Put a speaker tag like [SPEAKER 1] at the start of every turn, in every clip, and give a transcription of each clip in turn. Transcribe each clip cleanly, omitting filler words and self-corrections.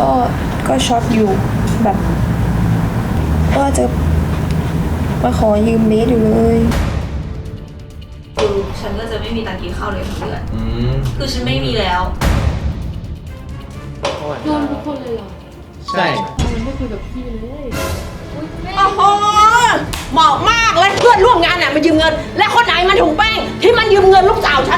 [SPEAKER 1] ก็ช็อตอยู่แบบว่าจะมาขอยืมเบสอยู่เลย
[SPEAKER 2] คือฉันก็จะไม่มีตังค์กินข้าวเลยทั้งเดือนคือฉันไม่มีแล้ว
[SPEAKER 3] โดนทุกคนเลยเหรอ
[SPEAKER 4] ใช่
[SPEAKER 3] ทำไมไม่คุยกับพี่เลย
[SPEAKER 5] โอ้โหเหมาะมากเลยเพื่อนร่วมงานน่ะมายืมเงิน และคนไหนมันถุงแป้งที่มันยืมเงินลูกสาวฉัน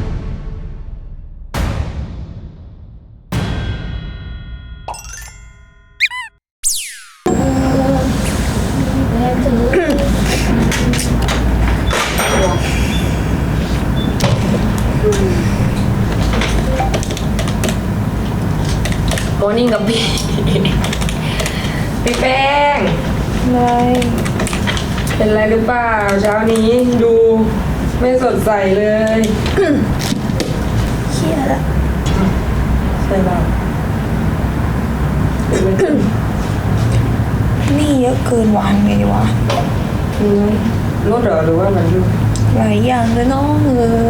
[SPEAKER 5] โมอนิ่งกับพี่พี่แป้ง
[SPEAKER 1] อะไร
[SPEAKER 5] เป็นไรหรือเปล่าเช้านี้ดูไม่สดใสเลย
[SPEAKER 1] เครียดอะ
[SPEAKER 5] ใช่เปล่า
[SPEAKER 1] นี่เยอะเกินหวานไงดีวะ
[SPEAKER 5] รถเหรอหรือว่ามันยุ่ง
[SPEAKER 1] หลายอย่างเลยน้อง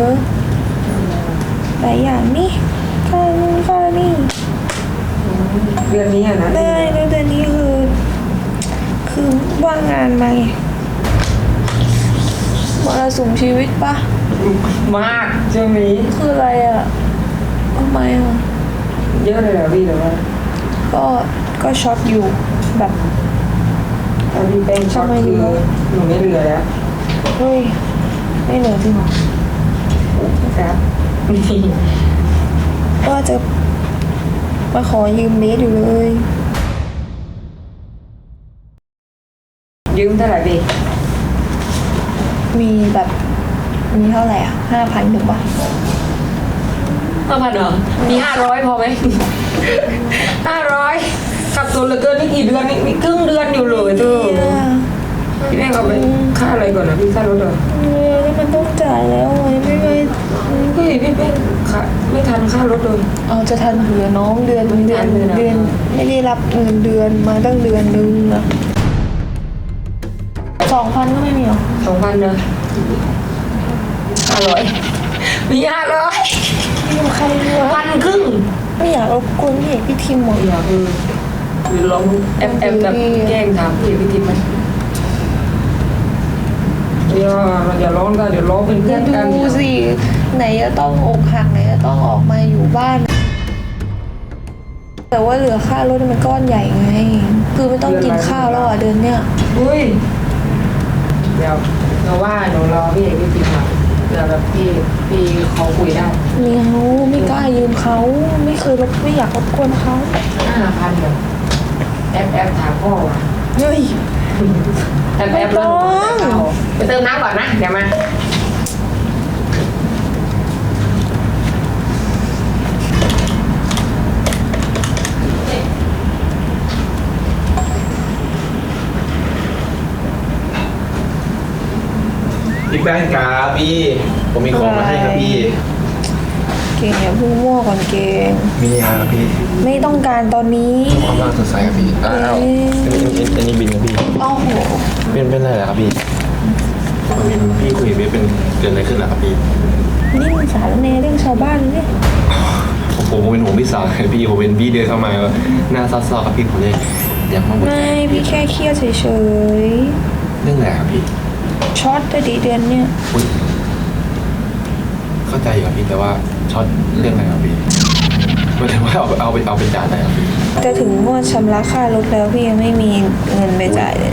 [SPEAKER 1] หลายอย่างนี่ค่านู่นค่านี่
[SPEAKER 5] เดือนนี้อะนะ
[SPEAKER 1] ได้แล้วเดือนนี้คือว่างงานมาไงมรสุมชีวิตปะ
[SPEAKER 5] มากช่วงนี้
[SPEAKER 1] คืออะไรอะทำไมอะ
[SPEAKER 5] เยอะเลยเหรอพี่หรือว่า
[SPEAKER 1] ก็ช็อตอยู่แบบ
[SPEAKER 5] ถ้าพี่แป้งช็อตคือหนูไม่เหลือแล้ว
[SPEAKER 1] เฮ้ยไม่เหลือจริงเหรอ
[SPEAKER 5] ครับนี่
[SPEAKER 1] ว่าจะมาขอยืมเบสอยู่เลย
[SPEAKER 5] ยืมเท่าไหร่พี่
[SPEAKER 1] มีแบบมีเท่าไหร่อะ5,000ถึงปะ
[SPEAKER 5] 5,000เหรอมี500พอไหม500ขับตัวเหลือเกินนี่กี่เดือนนี่ครึ่งเดือนอยู่เลยเธอพี่แป้งเอาไปค่าอะไรก่อนนะพี่ค่ารถเหรอ
[SPEAKER 1] แล้วมันต้องจ่ายแล้วไงไม่
[SPEAKER 5] เฮ้ยพี่แป้งค่ะไม่ทันค่ารถเลย
[SPEAKER 1] เอาจะทันเหลือน้องเดือน
[SPEAKER 5] ไม่ทันเลยนะ
[SPEAKER 1] ไม่ได้รับเงินเดือนมาตั้งเดือนนึงอะ2,000ก็ไม่มีหรอ
[SPEAKER 5] 2,000เนอะ500มี500
[SPEAKER 1] ไม่มีใครรู้
[SPEAKER 5] 1,500
[SPEAKER 1] ไม่อยากรบกวนพี่เอกพี่ทิมหมด
[SPEAKER 5] อยากหรือลองแอปแบบแกล้งถามพี่ทิมไหมอย่าร้องกันเดี๋ยวร้องเป็นเพื่อนกัน
[SPEAKER 1] ดูสิไหนจะต้องอกหักไหนจะต้องออกมาอยู่บ้าน แต่ว่าเหลือค่ารถมันก้อนใหญ่ไง คือไม่ต้องกินข้าวแล้วอ่ะเดือนเนี้ย
[SPEAKER 5] อุ้ยเดี๋ยวเราว่าหนูรอพี่เอกพี่ทิมมาเผื่อแบบพี่เขาคุยได้
[SPEAKER 1] ไม่กล้ายืมเขาไม่เคยไม่อยากรบกวนเขา
[SPEAKER 5] 5,000เดี๋ยวแอปถามพ่อว่ะ
[SPEAKER 1] เฮ้ย
[SPEAKER 5] แอปแล้วไปเติมน้ำก่อนนะเดี๋ยวมา
[SPEAKER 4] พี่แป้งครับพี่ผมมีของมาให้ครับพี่
[SPEAKER 1] เก่งอย่าพูดมั่วก่อนเก่ง
[SPEAKER 4] มินิฮาร์ครับพี่
[SPEAKER 1] ไม่ต้องการตอนนี้
[SPEAKER 4] ความรักสดใสครับพี่อ้าวอันนี้บินครับพี่
[SPEAKER 1] โอ้โห
[SPEAKER 4] เป็นอะไรเหรอครับพี่พี่คุยกับเป็นเกิดอะไรขึ้นเหรอครับพี่
[SPEAKER 1] นี่มันสารแนเรื่องชาวบ้านเนี่ย
[SPEAKER 4] ผมเป็นห่วงพี่สาวพี่ผมเป็นพี่เดินเข้ามาหน้าซัดๆครับพี่ผมเลยอยากมาบอก
[SPEAKER 1] ไม่พี่แค่เครียดเฉย
[SPEAKER 4] เรื่องอะไรครับพี่
[SPEAKER 1] ๆช็อตแต่ดีเดือนเนี่ย
[SPEAKER 4] อุ๊ยเข้าใจอยู่ครับพี่แต่ว่าช็อตเรื่องอะไรครับพี่หมายถึงว่าเอาไปจ่ายอะไรครับพี่
[SPEAKER 1] แต่ถึงงวดชำระค่ารถแล้วพี่ยังไม่มีเงินไปจ่ายเลย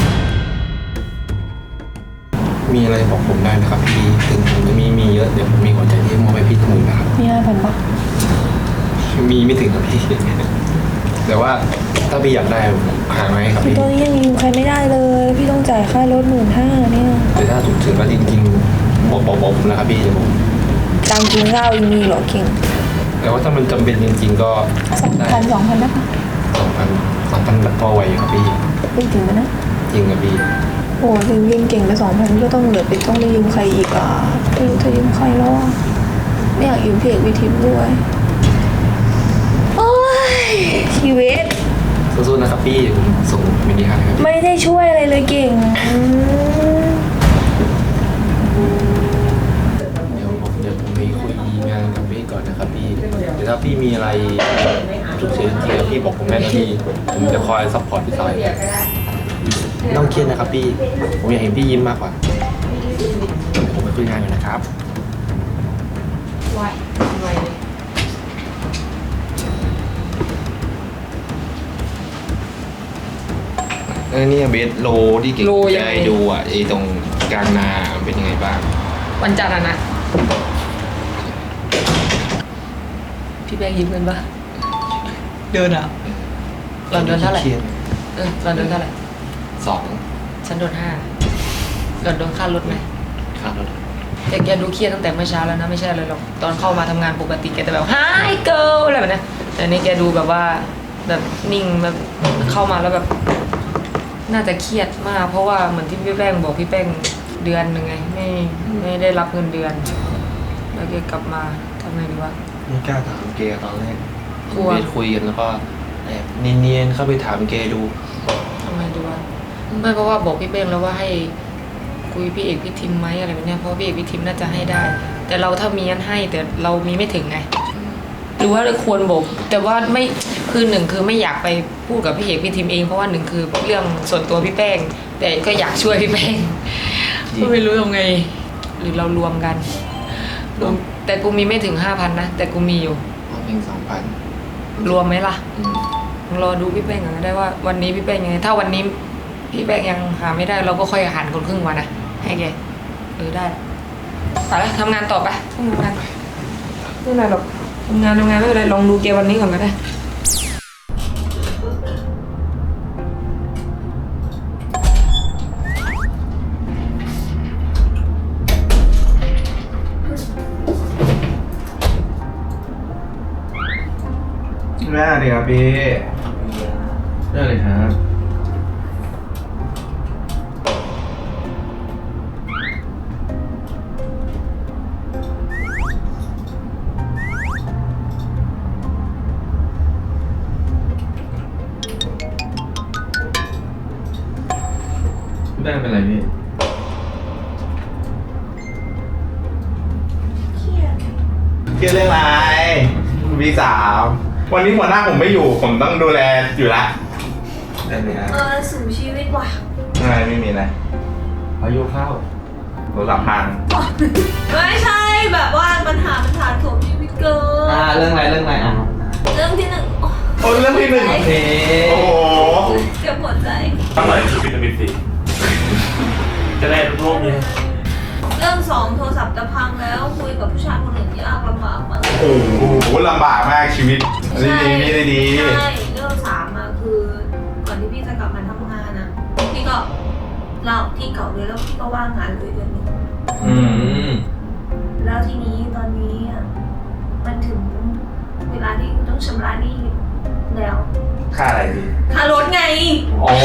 [SPEAKER 4] มีอะไรบอกผมได้นะครับพี่ถึงผมจะมีเยอะเดี๋ยวผมมีหัวใจที่มอบให้พี่ทุกคนนะครับ
[SPEAKER 1] มี5,000ปะ
[SPEAKER 4] มีไม่ถึงครับพี่ แต่ว่าถ้าพี่อยากได้หาไหมครับ
[SPEAKER 1] คือ
[SPEAKER 4] พี่
[SPEAKER 1] ตอนนี้ยังยืมใครไม่ได้เลย พี่ต้องจ่ายค่ารถ15,000เนี่ย
[SPEAKER 4] แต่ถ้าฉุกเฉินแล้วจริงๆบอกผมนะครับพี่เดี๋ยวผม
[SPEAKER 1] ตังค์กินข้าวยังมีเหรอเก่ง
[SPEAKER 4] แต่ว่าถ้ามันจำเป็นจริงๆก็ได้
[SPEAKER 1] 2,000ได้ปะ
[SPEAKER 4] 2,000พอไหวอยู่ครับพี่
[SPEAKER 1] ไม่ถึงนะ
[SPEAKER 4] จริงครับพี่
[SPEAKER 1] โอ้ถึงยืมเก่งไป2,000ก็ต้องเหลือไปต้องไปยืมใครอีกอ่ะไม่รู้จะยืมใครแล้วอ่ะไม่อยากยืมพี่เอกวิทิพย์ด้วยโอ้ยชีวิต
[SPEAKER 4] สู้ๆนะครับพี่ผมส่งมินิฮาร์ดครับพี่
[SPEAKER 1] ไม่ได้ช่วยอะไรเลยเก่ง
[SPEAKER 4] เดี๋ยวผมไปคุยงานกับพี่ก่อนนะครับพี่เดี๋ยวถ้าพี่มีอะไรฉุกเฉินจริงๆพี่บอกผมแม่นะพี่ผมจะคอยซัพพอร์ตพี่สายไม่ต้องเครียดนะครับพี่ผมอยากเห็นพี่ยิ้มมากกว่าผมไปคุยงานอยู่นะครับ
[SPEAKER 5] ไวเลย
[SPEAKER 4] นี่เบสโลที่เก่งใจดูอ่ะไอ้ตรงกลางนาเป็นยังไงบ้าง
[SPEAKER 5] วันจันทร์นะพี่แบงค์ยิ้มกันปะเดินอ่ะเราเดินเท่าไหร่เราเดินเท่าไหร่
[SPEAKER 4] 2
[SPEAKER 5] ฉันโดน5เราโดนค่ารถไหม
[SPEAKER 4] ครับรถ
[SPEAKER 5] แต่แกดูเครียดตั้งแต่เมื่อเช้าแล้วนะไม่ใช่อะไรหรอกตอนเข้ามาทำงานปกติแกแต่แบบ Hi girl อะไรแบบนี้แต่นี่แกดูแบบว่าแบบนิ่งแบบเข้ามาแล้วแบบน่าจะเครียดมากเพราะว่าเหมือนที่พี่แป้งบอกพี่แป้งเดือนหนึ่งไงไม่ได้รับเงินเดือนแล้วแกกลับมาทำไงดีวะ
[SPEAKER 4] ไม่กล้าถามเกตอนแรก
[SPEAKER 5] กลัว
[SPEAKER 4] เบสคุยกันแล้วก็แอบเนียนๆเข้าไปถามเกดู
[SPEAKER 5] ทำไงดีวะไม่เพราะว่าบอกพี่แป้งแล้วว่าให้คุยพี่เอกพี่ทิมไหมอะไรแบบเนี้ยเพราะพี่เอกพี่ทิมน่าจะให้ได้ แต่เราถ้ามีงั้นให้แต่เรามีไม่ถึงไง หรือว่าเราควรบอกแต่ว่าไม่คือหนึ่งคือไม่อยากไปพูดกับพี่เอกพี่ทิมเองเพราะว่าหนึ่งคือเรื่องส่วนตัวพี่แป้ง แต่ก็อยากช่วยพี่แป้งก็ไม่รู้ยังไง หรือเรารวมกันรวมแต่กูมีไม่ถึง 5,000นะแต่กูมีอยู่
[SPEAKER 4] เอาเพียง2,000
[SPEAKER 5] รวมไหมล่ะรอดูพี่แป้งกันก็ได้ว่าวันนี้พี่แป้งยังไงถ้าวันนี้พี่แป้งยังหาไม่ได้เราก็ค่อยหันคนครึ่งวันนะให้แกได้ไปแล้วทำงานต่อไปทำงานไม่เป็นไรหรอกทำงานไม่เป็นไรลองดูแกวันนี้ก่อนก็ได้
[SPEAKER 6] แม่ดีครับพี่ได้เลยครับ ได้เป็นไรพี่
[SPEAKER 2] เครียด
[SPEAKER 6] เครียดเรื่องอะไรพี่สาววันนี้หัวหน้าผมไม่อยู่ผมต้องดูแลอยู่ละได้เลยครับ
[SPEAKER 2] สู่ชีวิตว่ะ
[SPEAKER 6] อะไรไม่มีอะไรพายุเข้าโทรศัพท์พัง
[SPEAKER 2] ไม่ใช่แบบว่าปัญหามันถาโถมชีวิตเกิน
[SPEAKER 6] เรื่องอะไรอ่ะ
[SPEAKER 2] เรื่องที่หนึ่งโอ้
[SPEAKER 6] โอ้เรื่องที่หนึ่งโอเคโอ้โห
[SPEAKER 2] เจ็บปวดใจ
[SPEAKER 7] อร่อยคือวิตามินซีจะได้ลดโรคนี้
[SPEAKER 2] เรื่องสองโทรศัพท์จะพังแล้วคุยกับผู้ชายคนอื่นยากลำบากมาก
[SPEAKER 6] โอ้โหลำบากมากชีวิตดีไม่ได้ดี
[SPEAKER 2] ใช่เรื่องสามอะคือก่อนที่พี่จะกลับมาทำงานอะพี่ก็ลาออกที่เก่าเลยแล้วพี่ก็ว่างงานเลยเดือนหนึง
[SPEAKER 6] อืม
[SPEAKER 2] แล้วทีนี้ตอนนี้อะมันถึงเวลาที่กูต้องชำระหนี้แล้ว
[SPEAKER 6] ค่าอะไรพี่
[SPEAKER 2] ค่ารถไง
[SPEAKER 6] โอ้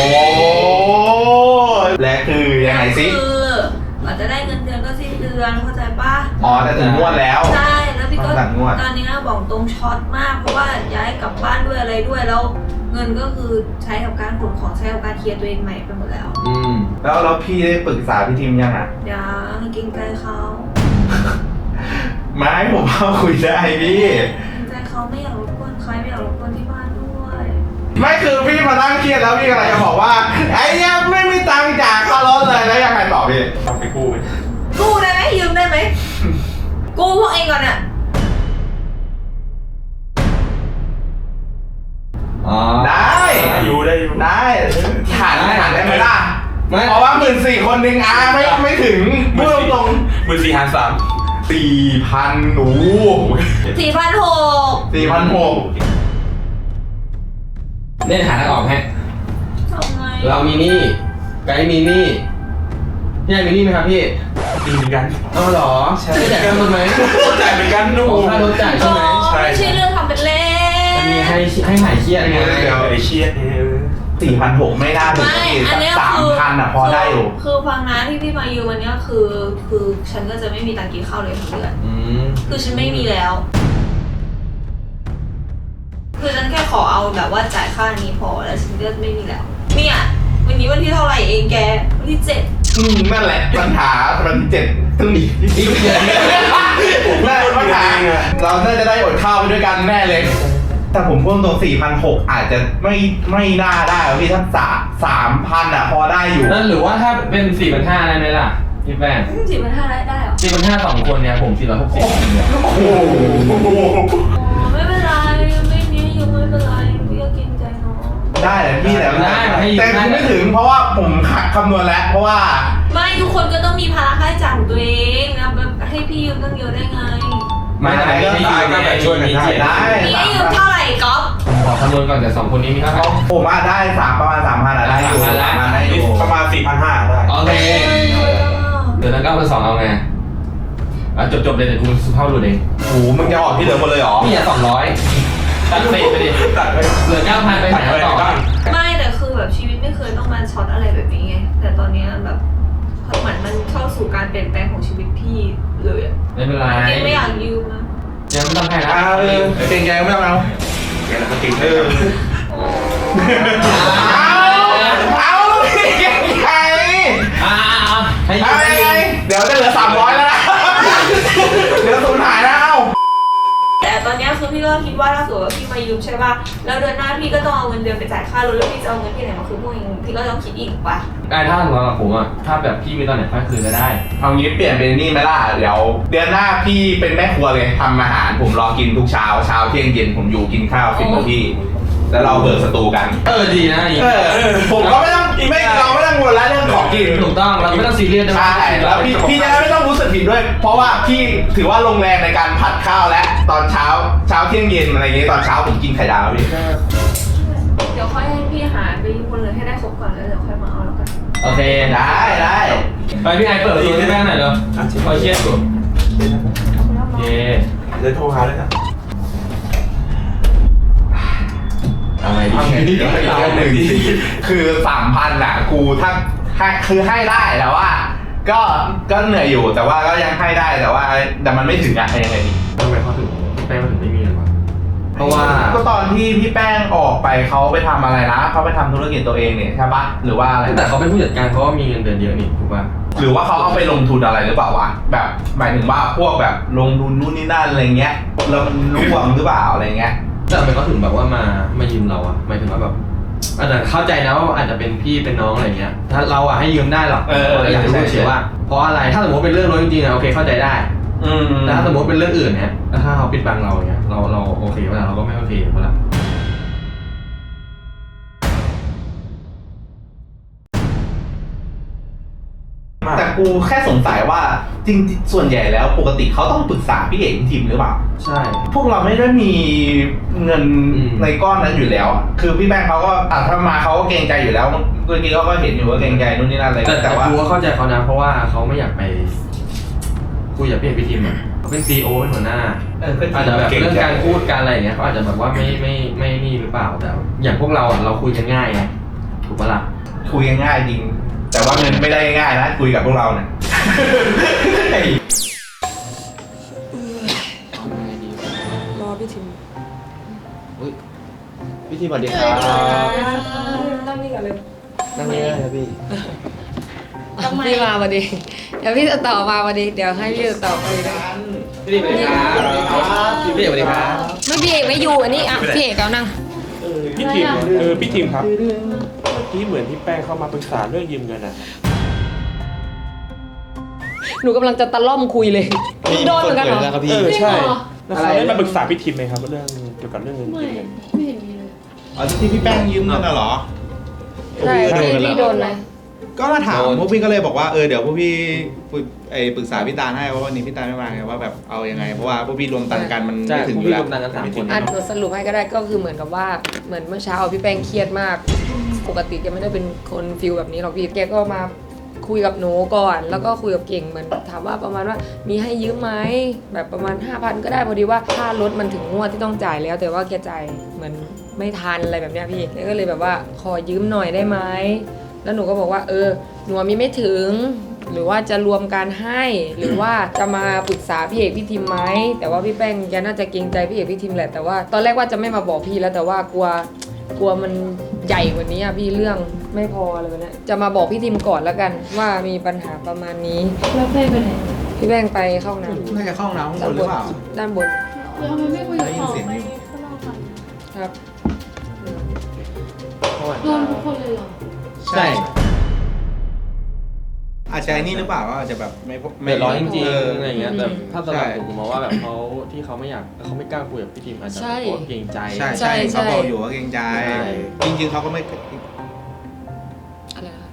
[SPEAKER 6] และคือยังไงสิ
[SPEAKER 2] คือกว่าจะได้เงินเดือนก็สิ้นเดือนเข้าใจปะ
[SPEAKER 6] อ๋อแต่ถึงงวดแล้ว
[SPEAKER 2] ใช่แล้วพี่ก็
[SPEAKER 6] ต้องสั่งงวด
[SPEAKER 2] ตอนนี้บอกตรงช็อตมากเพราะว่าย้ายกลับบ้านด้วยอะไรด้วยแล้วเงินก็คือใช้กับการขนของใช้กับการเคลียร์ตัวเองใหม่ไปหมดแล้ว
[SPEAKER 6] แล้วพี่ได้ปรึกษาพี่ทิมยังอ่ะ
[SPEAKER 2] ยังเกรงใจเขา
[SPEAKER 6] ไม่ผมว่าคุยได้พี่
[SPEAKER 2] เกรงใจเขาไม่อยากรบกวนใครไม่อยากรบกวนที่บ้านด้วย
[SPEAKER 6] ไม่คือพี่มานั่งเครียดแล้วพี่กำลังจะบอกว่าไอ้เนี่ยไม่มีตังค์จ่ายค่ารถเลยแล้วยังไงต่อพี่
[SPEAKER 7] ทำไปกู้ไป
[SPEAKER 2] กู้ได้ไหมยืมได้ไหมกู้พวกเองก่อนเนี่ย
[SPEAKER 6] ได้
[SPEAKER 7] อยู่ได้อยู่
[SPEAKER 6] ได้ฐานได้ไหมล่ะเพราะว่า14,000คนหนึ่งไม่ถึงพูดตรง
[SPEAKER 7] 14,300
[SPEAKER 6] ๆ4,000โอ้โห
[SPEAKER 2] 4,600
[SPEAKER 6] 4,600
[SPEAKER 4] เนี่ยหาทางออกให้
[SPEAKER 2] ทำไง
[SPEAKER 4] เรามีหนี้ไกด์มีหนี้พี่มีหนี้ไหมครับพี่
[SPEAKER 7] ดีเหมือนกัน
[SPEAKER 4] เอาเหรอไม่จ่ายค่ารถไหม
[SPEAKER 7] จ่ายเหมือนกันนู่
[SPEAKER 4] ค่ารถจ่ายใช่ไหม
[SPEAKER 2] ไม่ใช่เรื่องทำเป็นเล่น
[SPEAKER 4] มันมีให้หายเครียดไง
[SPEAKER 7] ไอเชียดเนี่ย
[SPEAKER 6] 4,600ไม่น่าถึง
[SPEAKER 2] ไม่อันเนี้ยคือ
[SPEAKER 6] 3,000อ่ะพอได้อยู่
[SPEAKER 2] คือฟังนะที่พี่มายืมวันเนี้ยคือฉันก็จะไม่มีตังค์กินข้าวเลยทั้งเดือนคือฉันไม่มีแล้ว คือฉันแค่ขอเอาแบบว่าจ่ายค่านี้พอแล้วฉันก็ไม่มีแล้ว เนี่ยวันนี้วันที่เท่าไหร่เองแกวันที่ 7
[SPEAKER 6] นั่นแหละปัญหามัน7ต้องหนีนี่เดือนนั่นปัญหาเราน่าจะได้อดข้าวไปด้วยกันแน่เลยแต่ผมพูดตรง4,600อาจจะไม่น่าได้พี่ถ้า3,000อ่ะพอได้อยู่
[SPEAKER 8] นั่นหรือว่าถ้าเป็น 4,500ได้ไหมล่ะพี่แป้ง
[SPEAKER 2] 4,500ได้เหรอ
[SPEAKER 8] 4,500 2 คนเนี่ยผม460เนี่ย
[SPEAKER 6] โอ้โห
[SPEAKER 2] ไม่เป็นไรไม่มียังไม่เป็นไรพี่ก็เกรงใจน้อง
[SPEAKER 6] ได้แหละพี่แต่
[SPEAKER 8] ได้ให้ยืม
[SPEAKER 6] แต่คุณไม่ถึงเพราะว่าผมคำนวณแล้วเพราะว่า
[SPEAKER 2] ไม่ทุกคนก็ต้องมีภาระค่าใช้จ่ายของตัวเองนะแบบให้พี่ยืมตั้งเยอะได้ไง
[SPEAKER 8] ไม่แต่ไม่ให้ยืมก็แบบช่วยมีเจ็ด
[SPEAKER 6] ได้
[SPEAKER 2] พี่ให้ยืมเท่าไหร่ก๊อฟ
[SPEAKER 8] ขอคำนวณก่อนแต่2 คนนี้มีเท่าไหร่
[SPEAKER 6] ผมว่าได้ประมาณ3,000อะได้อยู่
[SPEAKER 8] 3,000
[SPEAKER 6] ได้อยู่
[SPEAKER 7] ประมาณ 4,500ได้
[SPEAKER 8] โอเคเดี๋ยวนั้นก็เอา2เอาไงจบเลยเดี๋ยวกูสุภาพหลุดเอง
[SPEAKER 6] โอ้โหมึงจะออกที่เหลือหมดเลยเหรอ
[SPEAKER 8] นี่อ่ะ200ตัดเศษไปดิ
[SPEAKER 7] ตัดไป
[SPEAKER 8] เหลือ 9,000 ไปไหนต่อ
[SPEAKER 2] ไม่แต่คือแบบชีวิตไม่เคยต้องมาช็อตอะไรแบบนี้ไงแต่ตอนเนี้ยแบบเหมือนมันเข้าสู่การเปลี่ยนแปลงของชีวิตพี่เลยอะ
[SPEAKER 8] ไม่เป็นไร
[SPEAKER 2] ยังไม่อยากยืมนะ
[SPEAKER 8] ยังไม่ต้องให้นะ
[SPEAKER 6] เก่งใจไม่ต้องเอา
[SPEAKER 7] แกแล้วก็กิน
[SPEAKER 6] เอาเก่งใจ
[SPEAKER 8] ให้ยื
[SPEAKER 6] เอา
[SPEAKER 8] ม
[SPEAKER 6] ไงเดี๋ยวจะเหลือ300แล้วนะเดี๋ยวสูญหายแล้ว
[SPEAKER 2] แต่ตอนเนี้ยคือพี่ก็คิดว่าถ้าสมมติว่าพี่มายืมใช่ป่ะแล้วเดือนหน้าพี่ก็ต้องเอาเงินเดือนไปจ่ายค่ารถแล้วพี่จะเอาเงินที่ไหนมาคืนพวกเองพี่ก็ต้องคิดอีกป่ะ
[SPEAKER 8] ถ้าสำหรับผมอ่ะถ้าแบบพี่มีตอนไหนค่อยคืนก็ได้
[SPEAKER 6] เอางี้เปลี่ยนเป็นนี่ไหมล่ะเดี๋ยวเดือนหน้าพี่เป็นแม่ครัวเลยทำอาหารผมรอกินทุกเช้าเที่ยงเย็นผมอยู่กินข้าว10 นาทีแล้วเราเบิกสตูกัน
[SPEAKER 8] ดีนะนี่
[SPEAKER 6] ผมก็ไม่ต้องเราไม่ต้องกังวลแล้วเรื่องของกิน
[SPEAKER 8] ถูกต้องเราไม่ต้องซีเรียส
[SPEAKER 6] ใช่แล้วพี่จะได้ไม่ต้องรู้สึกผิดด้วย เพราะว่าพี่ถือว่าลงแรงในการผัดข้าวและตอนเช้าเที่ยงเย็นอะไรอย่างเงี้ยตอนเช้าผมกินไข่ดาวพี่
[SPEAKER 2] เดี๋ยวค่อยให้พี่หาไปยืมคนเลยให้ได้ครบก่อนแล้วเดี๋ยวค่อยมาเอาแล้วกัน
[SPEAKER 8] โอเค
[SPEAKER 6] ได้
[SPEAKER 8] ไปพี่ไอเปิดประตูให้แม่หน่อยเร็วคอยเชียร์อยู่เย่
[SPEAKER 7] เลยโทรหาเลยนะ
[SPEAKER 8] ทำไงดี
[SPEAKER 6] คือ3,000อ่ะกูถ้าคือให้ได้แต่ว่า ก็เหนื่อยอยู่แต่ว่าก็ยังให้ได้แต่มันไม่ถึงอะยังไงดี
[SPEAKER 8] ทำไมเขาถึงแป้งมาถึงไม่มีเลยวะเพราะว่า
[SPEAKER 6] ก็ตอนที่พี่แป้งออกไปเขาไปทำอะไรนะเขาไปทำธุรกิจตัวเองเนี่ยใช่ปะหรือว่าอะไร
[SPEAKER 8] แต่เขาเป็นผู้จัดการเขาก็มีเงินเดือนเยอะนี่ถูกป่ะ
[SPEAKER 6] หรือว่าเขาเอาไปลงทุนอะไรหรือเปล่าวะแบบหมายถึงว่าพวกแบบลงทุนนู่นนี่นั่นอะไรเงี้ยแล้วมันร่วงหรือเปล่าอะไรเงี้ย
[SPEAKER 8] แต่ทำไมเขาถึงแบบว่ามายืมเราอะหมายถึงว่าแบบอาจจะเข้าใจนะว่าอาจจะเป็นพี่เป็นน้องอะไรเงี้ยถ้าเราอะให้ยืมได้หรอกอยากจะรู้เฉยว่าเพราะอะไรถ้าสมมติเป็นเรื่องรถจริงๆนะโอเคเข้าใจได้แต่ถ้าสมมติเป็นเรื่องอื่นเนี่ยถ้าเขาปิดบังเราเนี่ยเราโอเคเวลาเราก็ไม่โอเคเวลา
[SPEAKER 6] แต่กูแค่สงสัยว่าจริงๆส่วนใหญ่แล้วปกติเขาต้องปรึกษาพี่เอกทีมหรือเปล่า
[SPEAKER 8] ใช่
[SPEAKER 6] พวกเราไม่ได้มีเงินในก้อนนั้นอยู่แล้วอะคือพี่แบงค์เขาก็ถ้ามาเขาก็เกรงใจอยู่แล้วเมื่อกี้เขาก็เห็นอยู่ว่าเกรงใจนู่นนี่นั่นอะไร
[SPEAKER 8] แต่
[SPEAKER 6] ว่า
[SPEAKER 8] กูก็เข้าใจเขานะเพราะว่าเขาไม่อยากไปคุยกับพี่เอกพี่ทีมอ่ะเขาเป็นซีโอเป็นหัวหน้าอาจจะแบบเรื่องการพูดการอะไรอย่างเงี้ยเขาอาจจะแบบว่าไม่นี่หรือเปล่าแต่อย่างพวกเราอ่ะเราคุยกันง่ายไงถูกปะล่ะ
[SPEAKER 6] คุยกันง่ายจริง แต่ว่าเงินไม่ได้ง่ายนะคุยกับพวกเราเนี่ย
[SPEAKER 5] รอพี่ทิม
[SPEAKER 4] พี่ทีสวัสดีครับ
[SPEAKER 5] นั่งนี่ก่อนเลย
[SPEAKER 4] นั่งนี่ได้ครับพี่
[SPEAKER 5] พี่มาพอดีเดี๋ยวพี่จะต่อมาพอดีเดี๋ยวให้พี่จะต่อไปเลย
[SPEAKER 8] พี่ทีมสวัสดีครับพี่เอกสวัสดีครับ
[SPEAKER 5] ไม่พี่เอกไม่อยู่อันนี้อ่ะพี่เอกเอานั่ง
[SPEAKER 7] พี่ทีมพี่ทีมครับเมื่อกี้เหมือนพี่แป้งเข้ามาปรึกษาเรื่องยืมเงินอ่ะ
[SPEAKER 5] หนูกำลังจะตะล่อมคุยเลยมึงโดนเหมือนกันเหรอ
[SPEAKER 4] แล้วครับพี่
[SPEAKER 7] ใช่แล้วเขาได้มาปรึกษาพี่ทีมไหมครับเรื่องเกี่ยวกับเรื่องเงิน
[SPEAKER 3] ไม่
[SPEAKER 7] ยืมเงิน
[SPEAKER 3] ไม่เห็นมีเลย
[SPEAKER 9] อ๋อที่พี่แป้งยืมเงินน่ะเหรอ
[SPEAKER 5] ใช่พี่โดนไหม
[SPEAKER 9] ก็มาถามพวกพี่ก็เลยบอกว่าเดี๋ยวพวกพี่ปรึกษาพี่ตาลให้ว่าวันนี้พี่ตาลไม่มาไงว่าแบบเอายังไงเพราะว่าพวกพี่รวมตังค์กันมัน
[SPEAKER 8] ใช่
[SPEAKER 9] ไม่ถึง
[SPEAKER 8] พวก
[SPEAKER 9] อยู่
[SPEAKER 8] พี่
[SPEAKER 9] แล้ว
[SPEAKER 8] รวมตังค์กัน3 คน
[SPEAKER 5] อ่ะหนูสรุปให้ก็ได้ก็คือเหมือนกับว่าเหมือนเมื่อเช้าพี่แป้งเครียดมากปกติแกไม่ได้เป็นคนฟิลแบบนี้หรอกพี่แกก็มาคุยกับหนูก่อนแล้วก็คุยกับเก่งเหมือนถามว่าประมาณว่ามีให้ยืมไหมแบบประมาณ 5,000 ก็ได้พอดีว่าค่ารถมันถึงงวดที่ต้องจ่ายแล้ว แต่ว่าแกจ่ายเหมือนไม่ทันอะไรแบบเนี้ยพี่แกก็เลยแบบว่าขอยืมหน่อยได้ไหมแล้วหนูก็บอกว่าหนูมีไม่ถึงหรือว่าจะรวมการให้หรือว่าจะมาปรึกษาพี่เอกพี่ทิมไหมแต่ว่าพี่แป้งแกน่าจะเกรงใจพี่เอกพี่ทิมแหละแต่ว่าตอนแรกว่าจะไม่มาบอกพี่แล้วแต่ว่ากลัวมันใหญ่กว่านี้อะพี่เรื่องไม่พออะไรแบบเนี้ยจะมาบอกพี่ทิมก่อนแล้วกันว่ามีปัญหาประมาณนี้
[SPEAKER 3] แล้วเป้ไปไหน
[SPEAKER 5] พี่แป้งไปเข้าห้องน้ำ
[SPEAKER 9] น่าจะเข้าห้องน้ำข้างบ
[SPEAKER 5] ด้าน
[SPEAKER 9] น
[SPEAKER 5] บ
[SPEAKER 9] หรือเปล่า
[SPEAKER 5] ด้านบน
[SPEAKER 3] แล้วทำไมไม่คุยกับ
[SPEAKER 9] ได้ยิ
[SPEAKER 3] พ่
[SPEAKER 9] น
[SPEAKER 3] อ
[SPEAKER 9] เสียงอยู่
[SPEAKER 5] ครับ
[SPEAKER 3] โดนทุกคนเลยเหรอ
[SPEAKER 9] ใช่ อาจจะไอ้นี่หรือเปล่าว่าอาจจะแบบไม่
[SPEAKER 8] เดือดร้อนจริง
[SPEAKER 9] เ
[SPEAKER 8] ๆอะไรอย่างเงี้ยแต่ถ้าสำหรับ
[SPEAKER 9] ใช่
[SPEAKER 8] ผมมองว่าแบบเขาที่เขาไม่อยากเขาไม่กล้าคุยกับพี่ทีมอาจจะเพราะเกรงใจ
[SPEAKER 9] ใช่
[SPEAKER 5] ใช่
[SPEAKER 9] ใช่เขาบอกอยู่ว่าเกรงใจ
[SPEAKER 8] ใช่
[SPEAKER 9] จริงๆเขาก็ไม่
[SPEAKER 5] อะไรนะคะ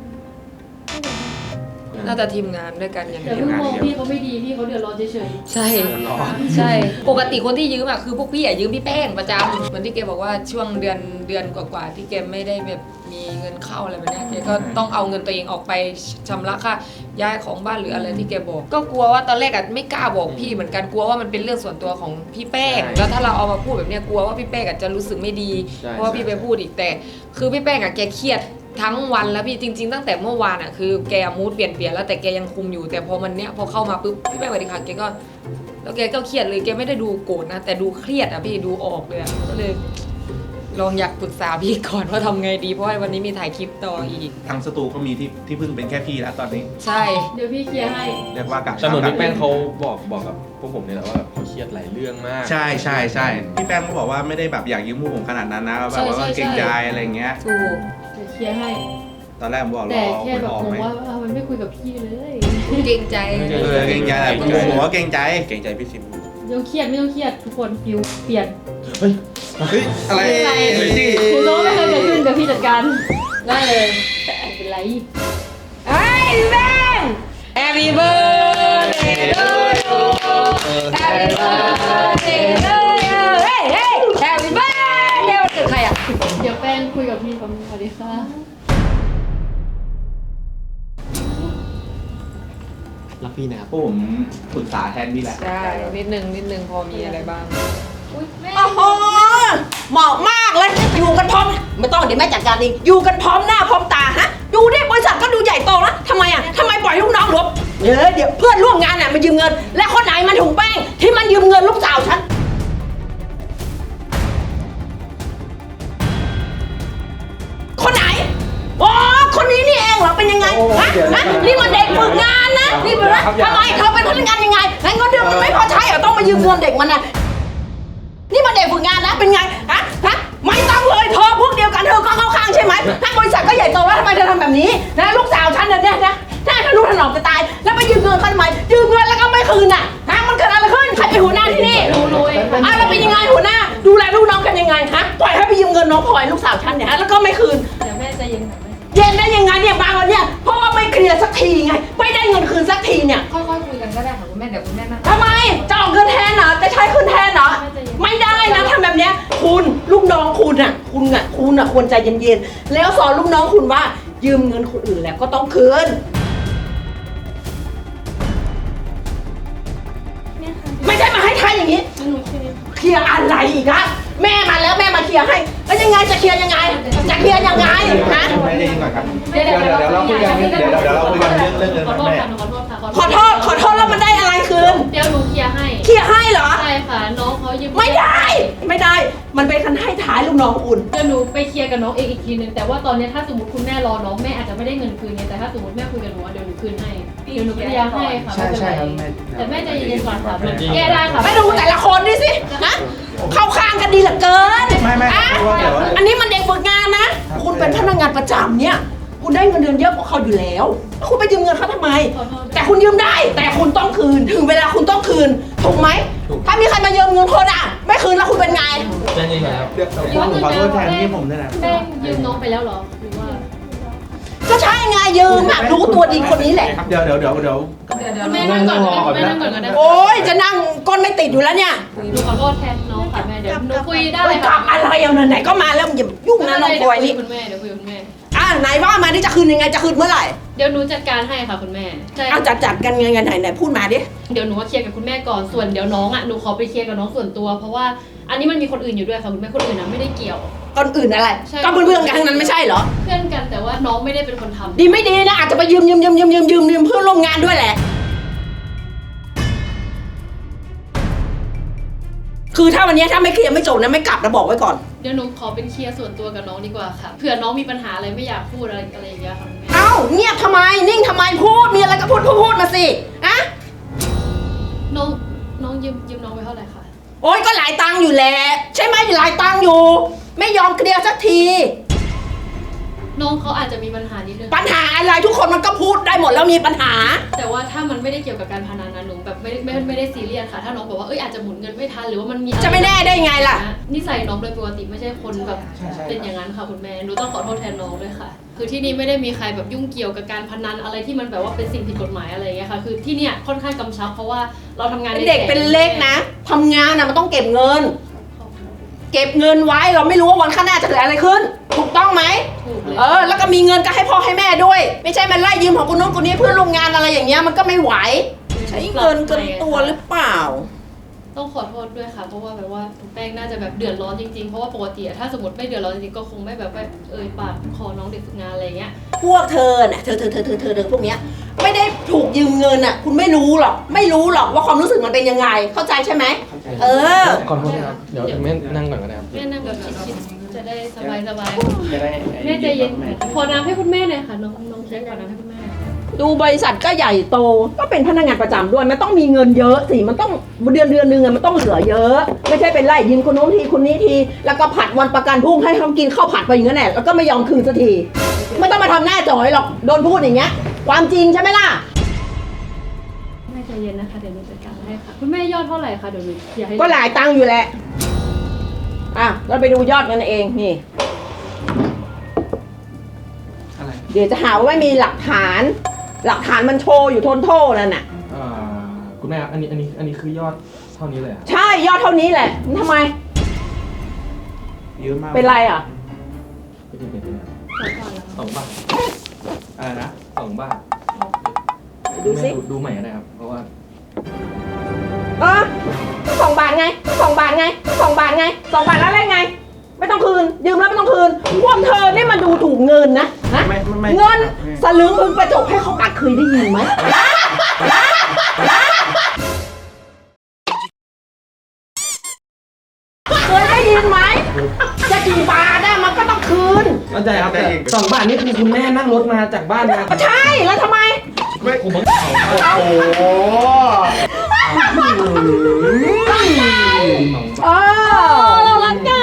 [SPEAKER 5] น่าจะทีมงานด้วยกันอย่าง
[SPEAKER 3] แต่
[SPEAKER 5] เดียว
[SPEAKER 3] เพิ่งมองพี่เขาไม่ดีพี่เขาเดือดร้อนเฉย
[SPEAKER 5] ใช่ใช่ ปกติคนที่ยืมอะคือพวกพี่อะยืมพี่แป้งประจำเหมือนที่แกบอกว่าช่วงเดือนกว่าๆที่แกไม่ได้แบบมีเงินเข้าอะไรแบบเนี้ยแกก็ต้องเอาเงินตัวเองออกไปชำระค่าย้ายของบ้านหรืออะไรที่แกบอก ก็กลัวว่าตอนแรกอะไม่กล้าบอกพี่เหมือนกันกลัวว่ามันเป็นเรื่องส่วนตัวของพี่แป้ง
[SPEAKER 8] ใช่
[SPEAKER 5] แล้วถ้าเราเอามาพูดแบบเนี้ยกลัวว่าพี่แป้งอะจะรู้สึกไม่ดี
[SPEAKER 8] ใช่
[SPEAKER 5] เพราะว่าพี่ไปพูดอีกแต่คือพี่แป้งอะแกเครียดทั้งวันแล้วพี่จริงๆตั้งแต่เมื่อวานอะคือแกมูดเปลี่ยนแล้วแต่แกยังคุมอยู่แต่พอมันเนี้ยพอเข้ามาปุ๊บพี่แป้งสวัสดีค่ะแกก็แล้วแกก็เครียดเลยแกไม่ได้ดูโกรธนะแต่ดูเครียดอะพี่ดูออกเลยอะก็เลยลองอยากปรึกษาพี่ก่อนว่าทำไงดีเพราะว่าวันนี้มีถ่ายคลิปต่ออีก
[SPEAKER 9] ทางสตูก็มีที่เพิ่งเป็นแค่พี่แล้วตอนนี้
[SPEAKER 5] ใช่
[SPEAKER 3] ๆเดี๋ยวพี่เคลียร์ให้
[SPEAKER 9] เรียกว่ากะ
[SPEAKER 8] แต่เหมือนพี่แป้งเขาบอกกับพวกผมเนี่ยแหละว่าแบบเขาเครียดหลายเรื่องมาก
[SPEAKER 9] ใช่ใช่ใช่พี่แป้งก็บอกว่าไม่ได้แบบอยากยืมพวกผมขนาดนั้นนะแบบว่าเกรงใจอะไรเงี้ย
[SPEAKER 5] ถูก
[SPEAKER 3] เดี๋ยวเคลียร์ให้
[SPEAKER 9] ตอนแรกผมบอกร
[SPEAKER 3] แต่
[SPEAKER 9] อ
[SPEAKER 3] แค่
[SPEAKER 9] คุณ
[SPEAKER 3] แบบ
[SPEAKER 9] ออก
[SPEAKER 3] ง
[SPEAKER 9] ไหม
[SPEAKER 3] งว่าทำไมไม่คุยกับพี่เลย
[SPEAKER 5] เกรงใจ
[SPEAKER 9] เกรงใจแหละผมว่าเกรงใจ
[SPEAKER 7] เกรงใจพี่ซิม
[SPEAKER 3] ไม่ต้องเครียดไม่ต้องเครียดทุกคนฟิวเปลี่ยน
[SPEAKER 9] เฮ้ยอะไร
[SPEAKER 3] ไม่เป็นไร
[SPEAKER 9] ที่
[SPEAKER 3] คุณรู้ว่าไม่เคยเกิดขึ้นเดี๋ยวพี่จัดการ
[SPEAKER 5] ได้เลย
[SPEAKER 3] ไม่เป็นไร
[SPEAKER 5] เฮ้ยพี่แป้ง Happy birthday to you Happy birthday to you เฮ้ย Happy birthday วันเกิดใครอะ
[SPEAKER 3] เดี๋ยวแป้งคุยกับพี่ผมสวัสดีค่ะ
[SPEAKER 4] รักพี่นะครับ
[SPEAKER 9] พวกผมปรึกษาแทนพี่แหละ
[SPEAKER 5] ใช่นิดนึงพอมีอะไรบ้าง
[SPEAKER 10] โอ้โหเหมาะมากเลย อยู่กันพร้อม ไม่ต้องเดี๋ยวแม่จัดการเองอยู่กันพร้อมหน้าพร้อมตาฮะ ดูดิบริษัทก็ดูใหญ่โตแล้วทำไมอ่ะทำไมปล่อยลูกน้องหลบเดี๋ยวเพื่อนร่วมงานน่ะมายืมเงิน และคนไหนมันถุงแป้งที่มันยืมเงินลูกสาวฉัน คนไหน อ๋อ คนนี้นี่เองเหรอ เป็นยังไง ฮะนี่มันเด็กฝึกงานนะ นี่เป็นว่าทำไมเธอเป็นพนักงานยังไงงั้นเงินเดือนมันไม่พอใช้เหรอต้องมายืมเงินเด็กมันนะนี่มันเด็กฝึกงานนะ เป็นไง ฮะ ไม่ต้องเลยเธอพวกเดียวกันเธอก็เข้าข้างใช่ไหมถ้าบริษัทก็ใหญ่โตแล้วทำไมเธอทำแบบนี้นะลูกสาวฉันเนี่ยนะถ้าทะนุถนอมจะตาย แล้วไปยืมเงินเขาทำไม ยืมเงินแล้วก็ไม่คืนน่ะ ฮะ มันเกิดอะไรขึ้น ใครเป็นหัวหน้าที่นี่
[SPEAKER 3] รู้เองค่ะ
[SPEAKER 10] อ้าวแล้วเป็นยังไงหัวหน้า ดูแลลูกน้องกันยังไง ฮะ ปล่อยให้ไปยืมเงินน้องพลอยลูกสาวฉันเนี่ยฮะ แล้วก็ไม่คืน
[SPEAKER 3] เดี๋ยวแม่ใจเย็นหน่อยแม่
[SPEAKER 10] เย็นได้ยังไงเนี่ยบางวันเนี่ยเพราะว่าไม่เคลียร์สักทีไง ไม่ได้เงินคืนสักทีเนี่ย
[SPEAKER 5] ค่อยๆคุยกันก็ได้ค่ะคุณแม่เดี๋ยวคุณแม่นั่ง
[SPEAKER 10] ทำไมจะออกเงินแทนเหรอจะใช้คืนแทนเหรอไม่ได้นะทำแบบเนี้ยคุณลูกน้องคุณอ่ะควรใจเย็นๆแล้วสอนลูกน้องคุณว่ายืมเงินคนอื่นแล้วก็ต้องคืนไม่ใช่มาให้ทายอย่างนี้
[SPEAKER 3] หนูเคลียร์
[SPEAKER 10] เคลียร์อะไรอีกอะแม่มาแล้วแม่มาเคลียร์ให้แล้วยังไงจะเคลียร์ยังไงจะเคลียร์ยังไงฮะ
[SPEAKER 9] ไม่ได้ยินก่อนครับ
[SPEAKER 3] เดี๋ยวเราคุยกัน
[SPEAKER 9] เดี๋ยวเราคุยกันเรื่องเงิน
[SPEAKER 3] ขอโทษ
[SPEAKER 9] แม่
[SPEAKER 3] ค่ะหนูขอโทษค่ะ
[SPEAKER 10] ขอโทษแล้วมันได้อะไรคืน
[SPEAKER 3] เดี๋ยวหนูเคลียร์ให้
[SPEAKER 10] เคลียร์ให้เหรอ
[SPEAKER 3] ใช่ค่ะน้องเขายืม
[SPEAKER 10] ไม่ได้ มันเป็นคันให้ท้ายลูกน้องคุณ
[SPEAKER 3] เดี๋ยวหนูไปเคลียร์กับน้องเองอีกทีนึงแต่ว่าตอนนี้ถ้าสมมติคุณแม่รอน้องแม่อาจจะไม่ได้เงินคืนไงแต่ถ้าสมมติแม่คุยกับหนูเดี๋ยวหนูคืนให้เดี๋ยวหนูเคลียร์ให้ค่ะไม่เป็นไรแต่แม่ใจเย็นๆก่อนค่ะแก้ได้ค่ะ
[SPEAKER 10] ไม่ดูแต่ละคนดิสินะเข้าข้างกันดีเหลือเกิน
[SPEAKER 9] ไม่
[SPEAKER 10] อ่ะ
[SPEAKER 9] เดี๋ยว
[SPEAKER 10] อันนี้มันเด็กฝึกงานนะ คุณเป็นพนักงานประจำเนี่ย คุณได้เงินเดือนเยอะกว่าเขาอยู่แล้ว คุณไปยืมเงินเขาทำไม แต่คุณยืมได้ แต่คุณต้องคืน ถึงเวลาคุณต้องคืน ถูกไหม ถ้ามีใครมายืมเงินคนอ่ะ ไม่คืนแล้วคุณเป็นไง
[SPEAKER 8] ใช่นี่ครับ
[SPEAKER 9] เดี๋ยวผมขอโทษแทนที่ผมด้วยนะ
[SPEAKER 3] แป้งยืมน้องไปแล้วเหรอหรือว่า
[SPEAKER 10] ก็ใช่ไงยืมอ่ะรู้ตัวดีคนนี้แหละ
[SPEAKER 9] เดี๋ยว
[SPEAKER 3] คุณแม่นั่งก่อนก็ได้แม่นั่งก่อนก็ได้
[SPEAKER 10] โอ๊ยจะนั่งก้นไม่ติดอยู่แล้วเนี่ย
[SPEAKER 3] หนูขอโทษแทนน้องค่ะแม่เดี๋ยวหนูคุยได้
[SPEAKER 10] ไป
[SPEAKER 3] เลย
[SPEAKER 10] กลั
[SPEAKER 3] ค่ะ
[SPEAKER 10] บอะไรเอาไหนๆก็มาแล้วอย่ายุ่งนะน้องพลอยนี่
[SPEAKER 3] คุณแม่เดี๋ยวคุยกับคุณแม่
[SPEAKER 10] อ่ะไหนว่ามาดิจะคืนยังไงจะคืนเมื่อไหร่
[SPEAKER 3] เดี๋ยวหนูจัดการให้ค่ะคุณแม่ใช่
[SPEAKER 10] เอาจัดกันยังไงไหนพูดมาดิ
[SPEAKER 3] เดี๋ยวหนูว่าเคลียร์กับคุณแม่ก่อนส่วนเดี๋ยวน้องอ่ะหนูขอไปเคลียร์กับน้องส่วนตัว เพราะว่าอันนี้มันมีคนอื่นอยู่ด้วยค่ะคุณแม่คนอื่นนะไม่ได้เกี่ยว
[SPEAKER 10] คนอื่นอะไร
[SPEAKER 3] ใช่
[SPEAKER 10] ก็เพื่อนๆกันทั้งนั้นไม่ใช่เหรอ
[SPEAKER 3] เพื่อนกันแต่ว่าน้องไม่ได้เป็นคนทำ
[SPEAKER 10] ดีไม่ดีนะอาจจะไปยืมเพื่อนร่วมงานด้วยแหละ คือถ้าวันนี้ถ้าไม่เคลียร์ไม่จบนะไม่กลับนะบอกไว้ก่อน
[SPEAKER 3] เดี๋ยวหนูขอเป็นเคลียร์ส่วนตัวกับน้องดีกว่าค่ะเผื่อน้องมีปัญหาอะไรไม่อยากพูดอะไรอย่างเงี้ยค่ะคุณแม่
[SPEAKER 10] เอ้าเงียบทำไมนิ่งทำไมพูดมีอะไรก็พูดมาสิอะ
[SPEAKER 3] น้องยืมน้องไปเท่าไหร่คะ
[SPEAKER 10] โอ๊ยก็หลายตังค์อยู่แหละใช่ไหมหลายตังค์อยู่ ไม่ยอมเคลียร์สักที
[SPEAKER 3] น้องเขาอาจจะมีปัญหานิดนึง
[SPEAKER 10] ปัญหาอะไรทุกคนมันก็พูดได้หมดแล้วมีปัญหา
[SPEAKER 3] แต่ว่าถ้ามันไม่ได้เกี่ยวกับการพนันนะหนูแบบไม่ได้ซีเรียสค่ะถ้าน้องบอกว่าอาจจะหมุนเงินไม่ทันหรือว่ามันมี
[SPEAKER 10] จะไม่แน่ได้ไงล่ะ
[SPEAKER 3] นิสัยน้องโดยปกติไม่ใช่คนแบบเป็นอย่างนั้นค่ะคุณแม่หนูต้องขอโทษแทนน้องด้วยค่ะคือที่นี่ไม่ได้มีใครแบบยุ่งเกี่ยวกับการพนันอะไรที่มันแบบว่าเป็นสิ่งผิดกฎหมายอะไรอย่างเงี้ยค่ะคือที่เนี่ยค่อนข้างกำชับเพราะว่าเราทำงาน
[SPEAKER 10] เป็นเด็กเป็นเล็กนะทำงานนะมันต้องเก็บเงิน เก็บเงินไว้เราไม่รู้ว่าวันข้างหน้าจะเกิดอะไรขึ้นถูกต้องไหม
[SPEAKER 3] ถูกเลย
[SPEAKER 10] แล้วก็มีเงินก็ให้พ่อให้แม่ด้วย ไม่ใช่มันไล่ยืมของคนนู้นคนนี้เพื่อลงงานอะไรอย่างเงี้ยมันก็ไม่ไหวใช้เงินเกินตัวหรือเปล่า
[SPEAKER 3] ต้องขอโทษด้วยค่ะเพราะว่าแบบว่าแป้งน่าจะแบบเดือดร้อนจริงๆเพราะว่าปกติถ้าสมมติไม่เดือดร้อนจริงๆก็คงไม่แบบว่าปากขอน้องเด็กฝึกงานอะไรเงี้ย
[SPEAKER 10] พวกเธอน่ะเธอพวกเนี้ยไม่ได้ถูกยืมเงินอ่ะคุณไม่รู้หรอกว่าความรู้สึกมันเป็นยังไงเข้าใจใช่ไหม
[SPEAKER 4] ขอโทษนะครับเดี๋ยวแม่นั่งก่อนก็ได้ครับ
[SPEAKER 3] แม่นั่งแบบชิดๆจะได้สบาย
[SPEAKER 4] จะได้
[SPEAKER 3] ๆแม่ใจเย็นขอน้ำให้คุณแม่หน่อยค่ะน้องเค้กขอน้ำให้คุณแม่
[SPEAKER 10] ดูบริษัทก็ใหญ่โตก็เป็นพนักงานประจำด้วยมันต้องมีเงินเยอะสิมันต้องเดือนนึงมันต้องเหลือเยอะไม่ใช่เป็นไล่ยืมคนโน้นทีคนนี้ทีแล้วก็ผัดวันประกันพรุ่งให้เขากินข้าวผัดไปอย่างนั้นแหละแล้วก็ไม่ยอมคืนสักทีไม่ต้องมาทำหน้าจ่อยหรอกโดนพูดอย่างเงี้ยความจริงใช่ไหมล่ะ
[SPEAKER 3] แม่ใจเย็นนะคะเดี๋ยวหนูจัดการให้ค่ะคุณแม่ยอดเท่าไหร่คะเดี๋ยวหนูอยากให้
[SPEAKER 10] ก็หลายตังค์อยู่แหละเราไปดูยอดกันเองนี่เดี๋ยวจะหาว่าไม่มีหลักฐานมันโชว์อยู่ทนโทษนั่นน่ะ
[SPEAKER 4] คุณแม่ครับอันนี้คือยอดเท่านี้เลยครับ
[SPEAKER 10] ใช่ยอดเท่านี้แหละทำไม
[SPEAKER 9] เยอะมาก
[SPEAKER 10] เป็นไรอ่ะ
[SPEAKER 4] 2 บาท
[SPEAKER 9] อะไรนะ
[SPEAKER 4] 2 บาท
[SPEAKER 10] ดูสิ
[SPEAKER 4] ดูใหม่ก็ได้ครับเพราะว่า
[SPEAKER 10] 2 บาทไง2 บาทไง2 บาทไง2 บาทแล้วอะไรไงไม่ต้องคืนยืมแล้วไม่ต้องคืนพวกเธอนี่มันดูถูกเงินนะเงินสลึงมึงประจบให้เขากัดเคยได้ยินไหมเคยได้ยินไหมจะกี่บาทได้มันก็ต้องคืน
[SPEAKER 4] เข้าใจครับแต่2 บาทนี่คือคุณแม่นั่งรถมาจากบ้านมา
[SPEAKER 10] ใช่แล้วทำไม
[SPEAKER 4] ผม
[SPEAKER 9] โอ้โห
[SPEAKER 10] เรารักกัน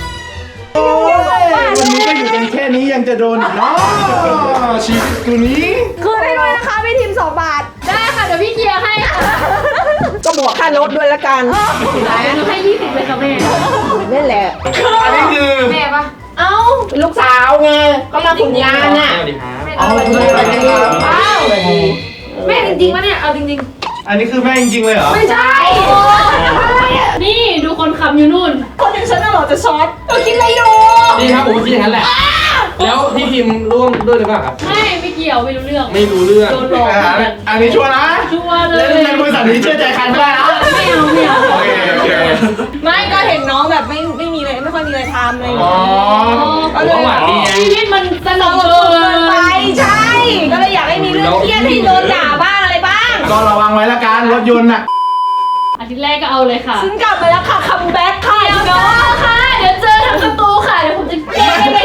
[SPEAKER 9] วันนี้ก็อยู่กันแค่นี้ยังจะโดนอีกเนาะชีวิตกูนี้
[SPEAKER 10] คืนให้ด้วยนะคะพี่ทีม2 บาท
[SPEAKER 3] ได้ค่ะเดี๋ยวพี่เคลียร์ให้ค่ะ
[SPEAKER 10] ก็บวกค่ารถด้วยละกัน
[SPEAKER 3] หนูให้20เลยค่ะแม่
[SPEAKER 10] นี่แหละ
[SPEAKER 9] อันนี้คือ
[SPEAKER 3] แม่ปะ
[SPEAKER 10] เอ้าเป็นลูกสาวไงก็มาฝึกงานน่ะ
[SPEAKER 4] สวัสดีครับ
[SPEAKER 10] เอาไปเลยไปเลยว้าว
[SPEAKER 3] แม่จริงๆปะเนี่ยเอาจริง
[SPEAKER 9] อันนี้คือแม่จริงๆเลยเหรอ
[SPEAKER 10] ไม่ใช่
[SPEAKER 3] ๆนี่ดูคนขับอยู่นู่น
[SPEAKER 10] คนอย่างฉันน่ะเหรอจะช็อตเธอคิดอะไรอยู่
[SPEAKER 4] นี่ครับผมคิดอย่างนั้นแหละแล้วพี่พิมพ์ร่วมด้วยหรือเปล่าครับ
[SPEAKER 3] ไม่เกี่ยวไม่รู้เรื่อง
[SPEAKER 4] ไม่รู้เรื่อง
[SPEAKER 3] โดนหลอกเหมือนกัน
[SPEAKER 9] อันนี้ชัวร์นะ
[SPEAKER 3] ชัวร์เล
[SPEAKER 9] แล้
[SPEAKER 3] ยว
[SPEAKER 9] ในบริษัทนี้เชื่อใจใครไม่ได้นะ
[SPEAKER 3] ไม่เอา
[SPEAKER 9] โอเคโอเค
[SPEAKER 1] ไม่ก็เห็นน้องแบบไม่มีอะไรไม่ค่อยมีอะไรทำอะไรอย่าง
[SPEAKER 9] อ๋อ
[SPEAKER 1] เงี้ย
[SPEAKER 4] ผมก็หวังดีไง
[SPEAKER 3] ชีวิตมันสนุก
[SPEAKER 1] เกินไปใช่ ก็เลยอยากให้มีเรื่องเครียดให้โดนด่าบ้างอะไรบ้าง
[SPEAKER 9] ก็ระวังไว้ละกันรถยนต์น่ะ
[SPEAKER 3] อาทิตย์แรกก็เอาเลยค่ะ
[SPEAKER 1] ฉันกลับมาแล้วค่ะคัมแบ็คค่ะ
[SPEAKER 3] เดี๋ยวเนาะค่ะ เดี๋ยวเจอทางประตูค่ะ เดี๋ยวผมจะแกล้งไม่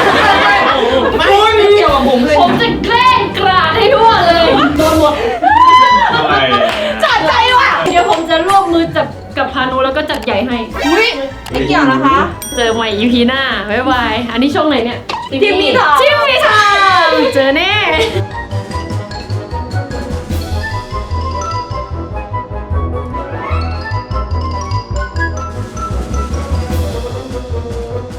[SPEAKER 3] เกี่ยวกับผมเลย ผมจะแกล้งกราดให้ทั่วเลย โดนหมด
[SPEAKER 1] จัดใจว่ะ
[SPEAKER 3] เดี๋ยวผมจะร่วมมือจับกับพานุแล้วก็จัดใหญ่ให้
[SPEAKER 1] อุ้ยไม่เกี่ยวนะคะ
[SPEAKER 3] เจอใหม่ EP หน้า บ๊ายบาย อันนี้ช่องไหนเนี่ย
[SPEAKER 1] ทีมมีทาง
[SPEAKER 3] ทีมมีทางเจอแน่